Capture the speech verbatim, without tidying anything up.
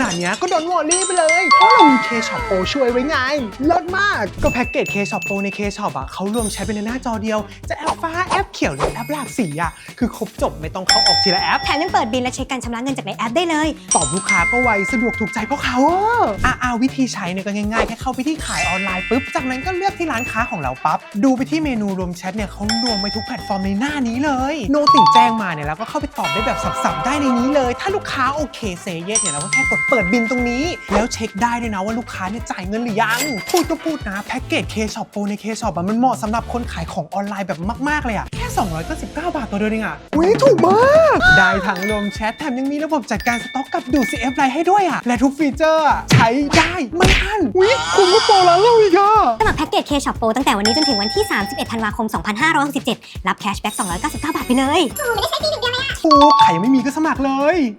นาดเนี้ยก็โดนวอลลี่ไปเลยเพราะเรามี K-Shop Pro ช่วยไว้ไงเลิศมากก็แพ็กเกจ K-Shop Pro ใน K-Shop อ่ะเขารวมใช้เป็นในหน้าจอเดียวจะแอปฟ้าแอปเขียวหรือแอปหลากสีอ่ะคือครบจบไม่ต้องเข้าออกทีละแอปแถมยังเปิดบินและเช็คการชำระเงินจากในแอปได้เลยตอบลูกค้าก็ไวสะดวกถูกใจเพราะเขาอ่ะอ่าวิธีใช้เนี่ยก็ง่ายๆแค่เข้าไปที่ขายออนไลน์ปุ๊บจากนั้นก็เลือกที่ร้านค้าของเราปั๊บดูไปที่เมนูรวมแชทเนี่ยเขารวมไว้ทุกแพลตฟอร์มในหน้านี้เลยโนติแจ้งมาเนี่ยแล้วก็เข้าไปตอบได้แบบสับๆได้ในนี้เลยถ้าลูกค้าโอเคเซเยสเนี่ยเราก็แค่กดเปิดบินตรงนี้แล้วเช็คได้ด้วยนะว่าลูกค้าเนี่ยจ่ายเงินหรือยังพูดก็พูดนะแพ็กเกจ K-Shop Pro ใน K-Shop อ่ะมันเหมาะสำหรับคนขายของออนไลน์แบบมากๆเลยอ่ะแค่สองร้อยเก้าสิบเก้าบาทต่อเดือนเองอ่ะอุ๊ยถูกมากได้ทั้งรวมแชทแถมยังมีระบบจัดการสต็อกกับดูด ซี เอฟ ไลน์ให้ด้วยอ่ะและทุกฟีเจอร์ใช้ได้ไม่อั้นอุ๊ยคุณก็โปรแล้วเราอีกอ่ะสมัครแพ็กเกจ K-Shop Pro ตั้งแต่วันนี้จนถึงวันที่ สามสิบเอ็ด ธันวาคม สองพันห้าร้อยหกสิบเจ็ด รับแคชแบ็ก สองร้อยเก้าสิบเก้า บาทไปเลยถูกใครยังไม่มีก็สมัครเลย